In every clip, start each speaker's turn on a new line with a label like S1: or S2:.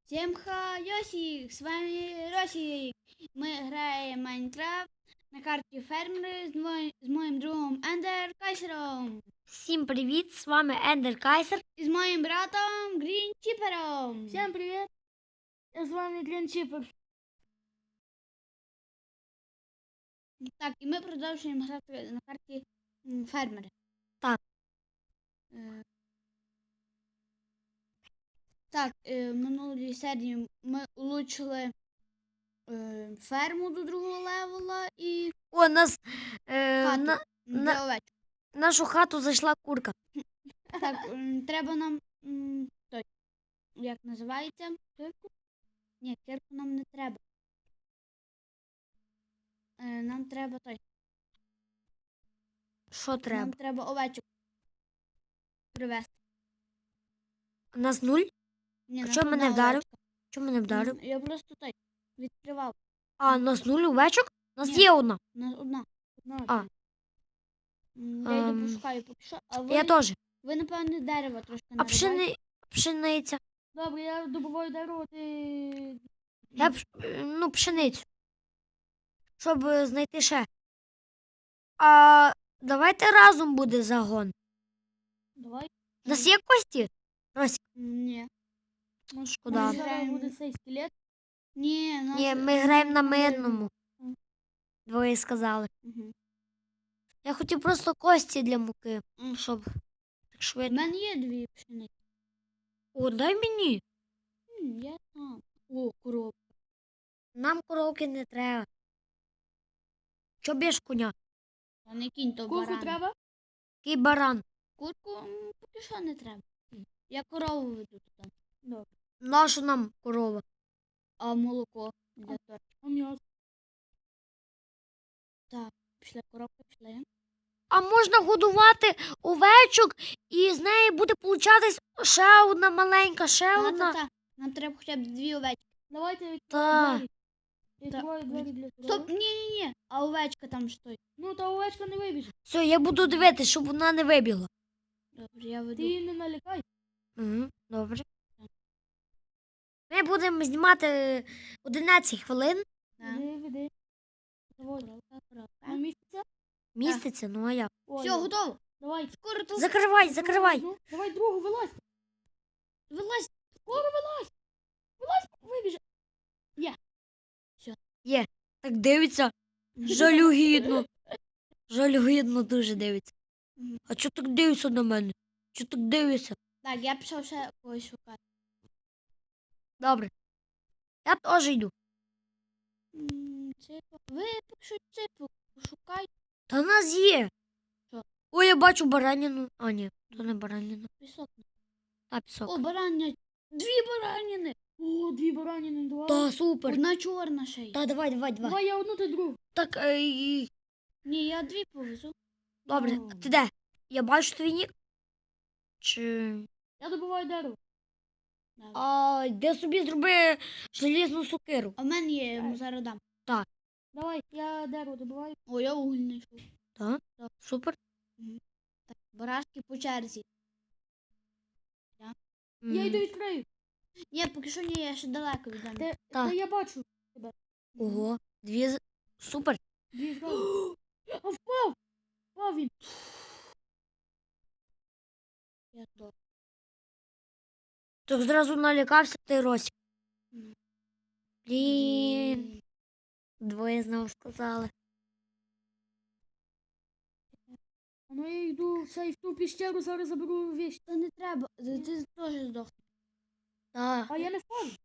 S1: Всем хайосик, с вами Росик. Мы играем в Майнкрафт на карті фермери з моїм другом Ендер Кайсером.
S2: Всім привіт, з вами Ендер Кайсер.
S1: І з моїм братом Грін Чіпером.
S2: Всім привіт, з вами Грін Чіпер.
S1: Так, і ми продовжуємо грати на карті фермери.
S2: Так.
S1: Так, в минулій серії ми улучшили ферму до другого левела і
S2: О, нас
S1: хату для овечок.
S2: нашу хату зайшла курка.
S1: Так, треба нам той, як називається? Кирку? Ні, кирку нам не треба. Нам треба той.
S2: Що треба?
S1: Нам треба овечок привезти.
S2: Нас нуль?
S1: Ні,
S2: А
S1: нас
S2: чого мене
S1: одна
S2: вдарив?
S1: овечка.
S2: Чого мене вдарив?
S1: Я просто той відкривав.
S2: А, нас нуль овечок? Нас
S1: Ні.
S2: є одна.
S1: Нас одна.
S2: А.
S1: Я йду пошукаю поки що. А ви,
S2: Я теж.
S1: ви напевне, дерево трошки
S2: А
S1: нарубайте.
S2: пшениця?
S1: Добре, я добуваю дерево, ти...
S2: Я пшеницю. Щоб знайти ще. А давайте разом буде загон.
S1: Давай.
S2: У нас є кості? Рось,
S1: Ні.
S2: шкода.
S1: Зараз буде цей скелет. Ні,
S2: Ні, ми граємо на мирному. Двоє сказали.
S1: Угу.
S2: Я хотів просто кості для муки, щоб так
S1: У
S2: швидко.
S1: мене є дві пшениці.
S2: О, дай мені.
S1: Я сам. О, коробка.
S2: Нам коровки не треба. Чо б'єш коня?
S1: А не кінь, то
S2: Курку
S1: баран.
S2: треба? Який баран?
S1: Курку поки що не треба. Я корову веду туди. Добре.
S2: Наша нам корова.
S1: А молоко для торта.
S2: А м'ясо?
S1: Так, пішли коробки, пішли.
S2: А можна годувати овечок і з неї буде получатись ще одна маленька, ще одна.
S1: Та. Нам треба хоча б дві овечки.
S3: Давайте
S2: Та.
S3: відкриваю двері для
S1: Стоп,
S3: корови.
S1: ні. А овечка там стоїть.
S3: Ну, та овечка не вибіже.
S2: Все, я буду дивитися, щоб вона не вибігла.
S1: Добре, я веду.
S3: Ти її не налякай.
S2: Угу, добре. Ми будемо знімати 11 хвилин.
S1: Так.
S3: Веди. Заводь.
S1: Коробка.
S3: А місяця?
S2: Міститься, ну а як?
S1: Все, готово.
S3: Давай.
S1: Скоро тут
S2: Закривай.
S3: Ну, давай другу вилазь.
S1: вилазь.
S3: Скоро вилазь. Вилазь, вибіже.
S2: Так дивиться. Жалюгідно. Жалюгідно дуже дивиться.
S1: Мгм.
S2: А чого так дивишся на мене? Чого так дивишся?
S1: Так, я пішов ще когось шукати.
S2: Добре. Я теж йду.
S1: Ципу. Ви поки що ципу пошукайте.
S2: Та в нас є.
S1: Що?
S2: Ой, я бачу бараніну. А, ні, то не бараніна.
S1: Пісок.
S2: Та пісок.
S1: О, барання. Дві бараніни.
S3: О, дві бараніни, два.
S2: Та супер.
S1: Одна чорна ще й.
S2: Та давай.
S3: Давай я одну, ти другу.
S2: Так,
S1: Ні, я дві повезу.
S2: добре,
S3: Ну.
S2: а ти де? Я бачу твій нік. Чи...
S3: Я добуваю дерево.
S2: А де собі зроби желізну сокиру?
S1: А в мене є, я йому зараз дам.
S3: Давай, я дерево добуваю.
S1: О, я уголь знайшов.
S2: Так,
S1: Так.
S2: супер.
S1: Так, барашки по черзі.
S3: Я йду відкрию.
S1: Ні, поки що ні, я ще далеко від мене.
S3: Та я бачу.
S2: Ого, супер.
S3: Дві зразу. А впав! Впав він.
S1: Я тут.
S2: Так зразу налякався ти, Росік.
S1: Мгм.
S2: Блін. Двоє знову сказали.
S3: А ну я йду в ту піщеру, зараз заберу вещь.
S1: Та не треба, ти теж здохнеш.
S2: Так,
S3: А я не впав.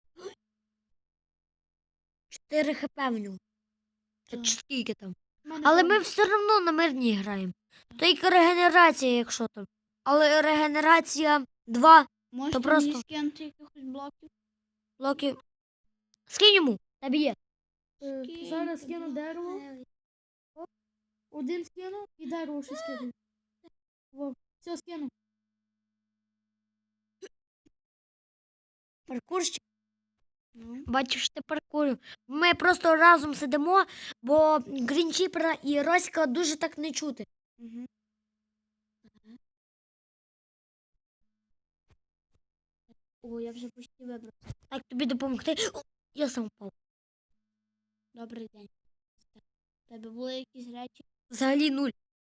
S2: 4 хп в нього.
S1: Так.
S2: Чи скільки там?
S3: В мене
S2: Але
S3: впав.
S2: ми все одно на мирній граємо. Тільки регенерація, якщо там. Але регенерація 2
S1: Можете
S2: просто-
S1: мені скинути якихось блоків?
S2: блоки. Скинь йому, тебе є.
S3: Зараз скину дерево. Один скину і дерево ще скину. Во, все скину.
S2: Паркурщик.
S1: Ну.
S2: Бачиш, ти паркурю. Ми просто разом сидимо, бо Грінчіпера і Росіка дуже так не чути.
S1: Угу. О, я вже почти вибрався.
S2: Так тобі допомогти. О, я сам впав.
S1: Добрий день. У тебе були якісь речі?
S2: Взагалі нуль.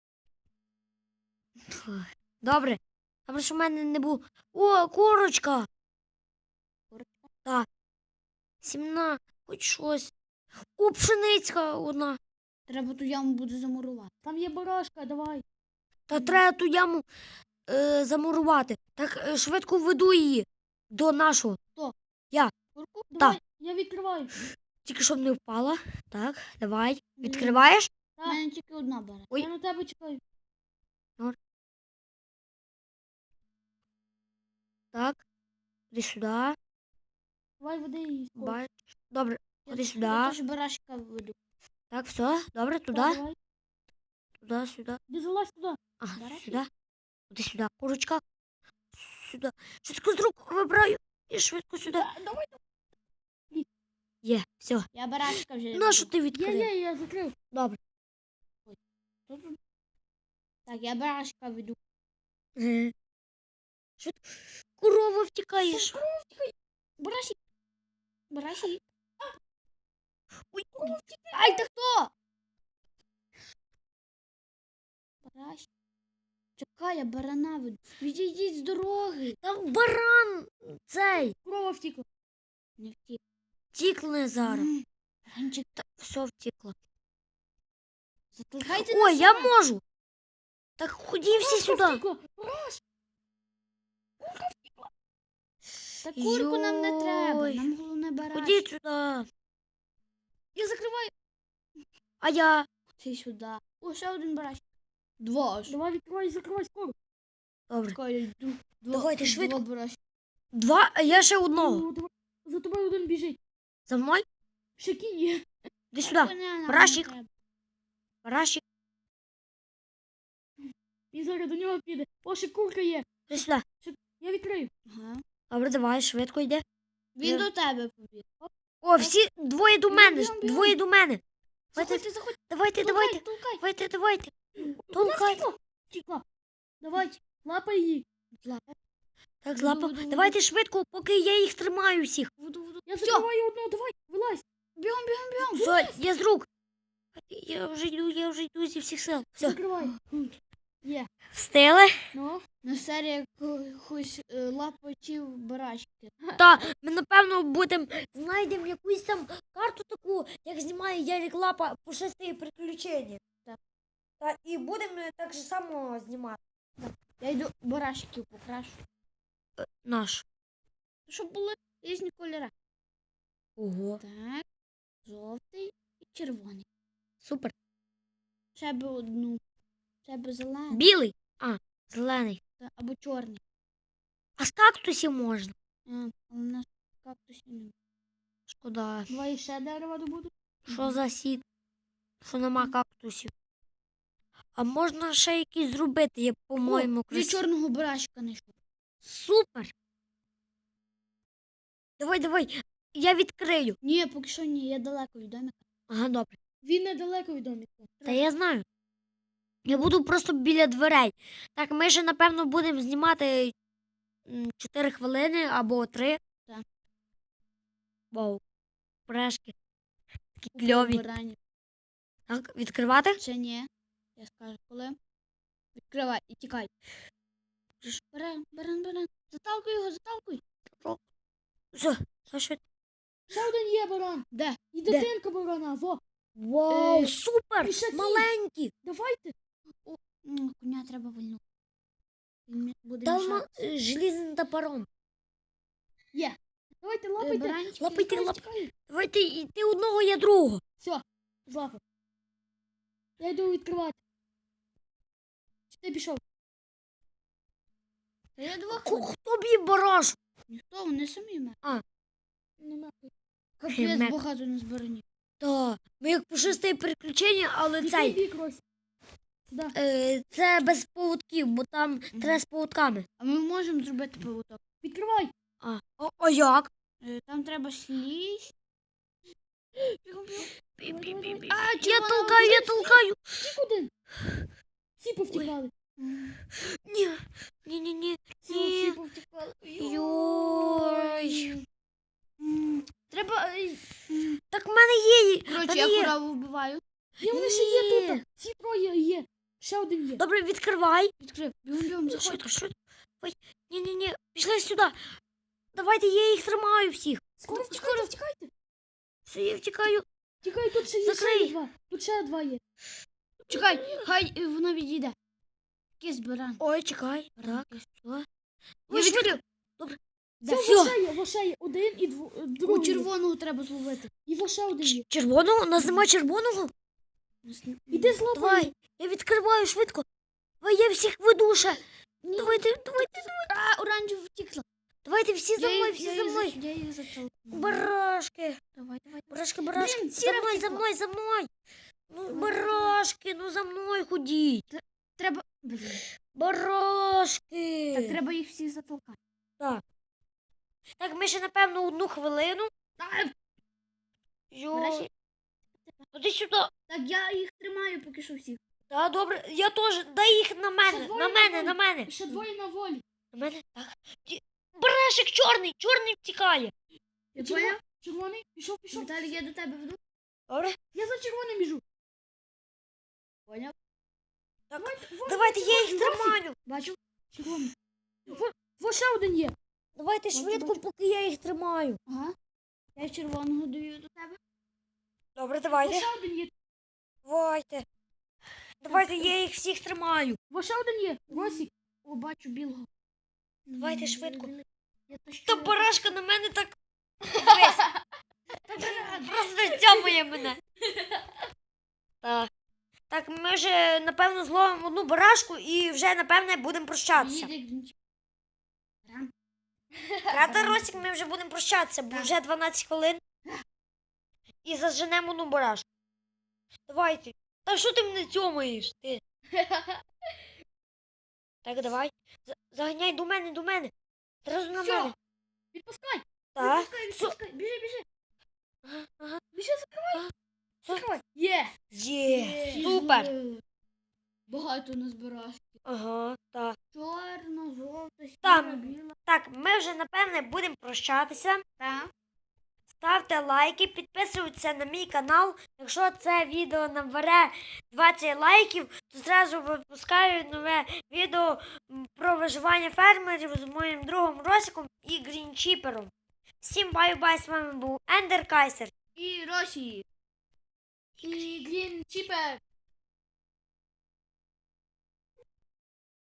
S2: Фух. Добре. Добре, що в мене не було. О, курочка.
S1: Курочка?
S2: Сімна, хоч щось. О, пшеницька одна.
S1: Треба ту яму буде замурувати.
S3: Там є барашка, давай.
S2: Та треба ту яму замурувати. Так швидко веду її до нашого.
S1: Курку?
S3: Давай, я відкриваю.
S2: Тільки щоб не впала. Так, давай. Відкриваєш?
S1: У мене тільки одна бере.
S2: Ой.
S3: Я на тебе чекаю.
S2: Так. Ходи сюди.
S3: Давай веди її. скоро.
S2: Бачиш. Добре, ходи
S1: Я
S2: сюди.
S1: теж барашка веду.
S2: Так, все. Добре, туди.
S3: Давай.
S2: Туди, сюди.
S3: Ти залазь туди.
S2: Ага,
S1: Барашки?
S2: сюди. Ходи сюди. Курочка. Сюди. Швидко з рук вибираю. І швидко сюди.
S3: Давай.
S2: Є, все.
S1: Я барашка вже
S2: Нащо
S1: веду.
S2: ти відкрив?
S3: Я закрив.
S2: Добре.
S1: Так, я барашка веду.
S2: Швидко. Корова втікаєш.
S1: Барашик. Барашик.
S2: Ой,
S1: Ай, ти хто? Барашик. Чекай, я барана веду. Відійдіть з дороги.
S2: там баран цей.
S3: Корова втікла.
S1: Не втік.
S2: Втікне зараз.
S1: Ганчик,
S2: Та, все втікло.
S1: затолкайте
S2: Ой,
S1: нас.
S2: я можу. Так ході всі сюди.
S3: Втікла.
S1: Та курку нам не треба.
S2: Йой.
S1: Нам головне барашки.
S2: Ходіть сюди.
S3: Я закриваю.
S2: А я.
S1: Ти сюди. О, ще один барашек. Два аж.
S3: Давай відкривай, закривай скоро.
S2: Добре.
S1: Чекай, я йду.
S2: Давайте швидко.
S1: Два барашки.
S2: Два, а я ще одного.
S3: О, давай. За тобою один біжить.
S2: За мною?
S3: Ще кінь є.
S2: Іди сюди.
S1: Коня нам
S2: Барашек.
S1: не треба.
S2: Барашик.
S3: Він зараз до нього піде. О, ще курка є.
S2: Іди сюди.
S3: Я відкрию.
S1: Ага.
S2: Добре, давай, швидко йде.
S1: Він
S2: Я-
S1: до тебе побіг.
S2: О, всі двоє до мене.
S1: Бігом, бігом.
S2: Двоє до мене.
S1: Заходьте, заходьте.
S2: Давайте, давайте.
S1: Толкай.
S2: Давайте, давайте.
S3: Вона
S2: Толкай.
S3: втікла. Давай, лапай її.
S1: Лапа.
S2: Так,
S1: Воду,
S2: злапав.
S1: воду, воду.
S2: Давайте швидко, поки я їх тримаю всіх.
S1: Воду, воду.
S3: Я
S1: Всьо.
S3: закриваю одну, давай, вилазь.
S1: Бігом, бігом, бігом.
S2: Все, я з рук. Я вже йду зі всіх сил. Все,
S3: Закривай. Є.
S2: встигли?
S3: Ну,
S1: На серії якихось лапочів барашки.
S2: Та, ми, напевно, знайдемо якусь там карту таку, як знімає Ярик Лапа по 6 приключення.
S1: Так.
S2: Та, і будемо так же само знімати.
S1: Я йду барашків покрашу.
S2: Наш.
S1: Щоб були різні кольори.
S2: Ого.
S1: Так. Жовтий і червоний.
S2: Супер.
S1: Ще би одну. Ще би зелений.
S2: Білий. А, зелений.
S1: Або чорний.
S2: А з кактусів можна.
S1: Але у нас кактусів немає.
S2: Шкода.
S3: давай ще дерева добуду.
S2: Що за сід? Що нема кактусів. А можна ще якісь зробити, я, по-моєму,
S1: Від
S2: красиво.
S1: чорного барашка знайшов.
S2: Супер. Давай, давай. Я відкрию.
S1: Ні, поки що ні, я далеко від домика.
S2: Ага, добре.
S3: Він недалеко від доміка.
S2: Та я знаю. Я буду просто біля дверей. Так, ми ще, напевно, будемо знімати 4 хвилини або 3.
S1: Так.
S2: Вау. Прешки. Такі
S1: У
S2: кльові.
S1: баранів.
S2: Так, відкривати?
S1: Ще ні. Я скажу, коли. Відкривай і тікай. Баран, баран, баран. Заталкуй його, заталкуй.
S2: Все, все швидко.
S3: Ще один є баран.
S1: Де?
S3: І дитинка барана. Во,
S2: Вау,
S3: Е,
S2: супер!
S3: і ще кінь.
S2: Маленькі.
S3: давайте.
S1: Коня треба вальнути. Він буде
S2: Там
S1: мішати.
S2: желізним топором.
S3: Є. Давайте лапайте.
S1: Баранчики.
S2: Лапайте,
S3: Тікай,
S2: лапайте.
S3: тікай.
S2: Давайте і ти одного, я другого.
S3: Все, злапав. Я йду відкривати. Чи ти пішов?
S1: Та я двох.
S2: Хто б'є бараш?
S1: Ніхто, вони самі ме.
S3: Нема.
S1: Капець
S2: Мек.
S1: багато на збиранні.
S2: Та, ми як пушисте приключення, але
S3: Який
S2: цей,
S3: бік, Рось? Сюди.
S2: це без поводків, бо там треба з поводками.
S1: А ми можемо зробити поводок.
S3: Відкривай.
S2: А як?
S1: Там треба слізь. Бігом, бігом.
S2: А, я
S1: червона
S2: толкаю, я толкаю.
S3: Тік один. Всі повтікали.
S2: Ні.
S3: Всі повтікали.
S2: Йой.
S1: Коротше,
S2: Та
S1: я
S2: є.
S1: корову вбиваю.
S3: Ні, вони ще є
S2: Ні.
S3: тут. Ці троє є. Ще один є.
S2: Добре, відкривай.
S1: Відкрив. Бігом, заходь.
S2: Швидко, швидко. Ой, ні. Пішли сюди. Давайте, я їх тримаю всіх.
S3: Скоро втікайте, втікайте.
S2: Все, я втікаю.
S3: Тікай, тут ще є
S2: Закрий.
S3: ще два. Тут ще два є.
S1: Чекай, хай вона відійде. Кис баран.
S2: Ой, чекай. Так, все.
S1: Я
S2: Ой,
S1: відкрив.
S3: Все,
S2: Все.
S3: во ще є. Один і
S1: У
S3: другий.
S1: червоного треба зловити.
S3: І во ще один є.
S2: Червоного? У нас нема червоного?
S3: Іди злапай.
S2: Давай, я відкриваю швидко. Давай, я всіх веду ще. Давайте.
S1: А, оранжево втікла.
S2: Давайте всі за мною, всі за мною.
S1: Я їх затолкну.
S2: Барашки.
S1: Давай.
S2: Барашки.
S1: Блін,
S2: За
S1: сіра
S2: мною,
S1: втекла.
S2: за мною. Ну, барашки, ну за мною ходіть.
S1: Треба. Блін.
S2: Барашки.
S1: Так, треба їх всіх затолкати.
S2: Так, ми ще, напевно, 1 хвилину.
S1: Нарешті.
S2: Іди сюди.
S1: Так, я їх тримаю поки що всіх.
S2: Так, добре, я теж. Дай їх на мене,
S3: Ще
S2: на
S3: двоє
S2: мене,
S3: на
S2: на мене.
S3: І ще двоє на волі.
S2: На мене, так. Барашек чорний втікає.
S1: Я
S3: Червоний,
S1: поняв?
S3: червоний, пішов.
S1: Віталій, я до тебе веду.
S2: Добре?
S3: Я за червоним біжу.
S1: Поняв?
S2: Давайте, я їх тримаю.
S1: Бачу.
S3: Червоний. Во ще один є.
S2: Давайте
S3: Бачу,
S2: швидко,
S3: бачу.
S2: поки я їх тримаю.
S1: Ага. Я червоного даю до тебе.
S2: Добре,
S3: Во
S2: давайте.
S3: ще один є.
S2: Давайте. Давайте, я їх всіх тримаю.
S3: Во ще один є. Росік.
S1: О, бачу білого.
S2: Давайте швидко.
S1: Я тащу.
S2: Та барашка на мене так. Дивись. Просто цьомує мене. Так. Так, ми вже, напевно, зловимо 1 барашку і вже, напевне, будемо прощатися.
S1: Їде грінч. Рам.
S2: Правда, Росік, ми вже будемо прощатися, бо вже 12 хвилин. І заженемо 1 барашку. Давайте. Та що ти мене цьомаєш? Ти? Так, давай. Заганяй до мене. Зразу на
S3: Всьо.
S2: мене.
S3: Відпускай.
S2: Так.
S1: Відпускай. Біжи.
S2: Ага.
S3: Біжи,
S2: Закривай.
S3: Є.
S2: Є. Супер.
S1: Багато назбирав.
S2: Ага, так.
S1: Чорна, жовта,
S2: Там.
S1: сіра, біла.
S2: Так, ми вже, напевне, будемо прощатися.
S1: Так.
S2: Ставте лайки, підписуйтесь на мій канал. Якщо це відео набере 20 лайків, то зразу випускаю нове відео про виживання фермерів з моїм другом Росиком і Грінчіпером. Всім бай-бай, з вами був Ендер Кайсер.
S1: І Росі.
S3: І Грін Чіпер.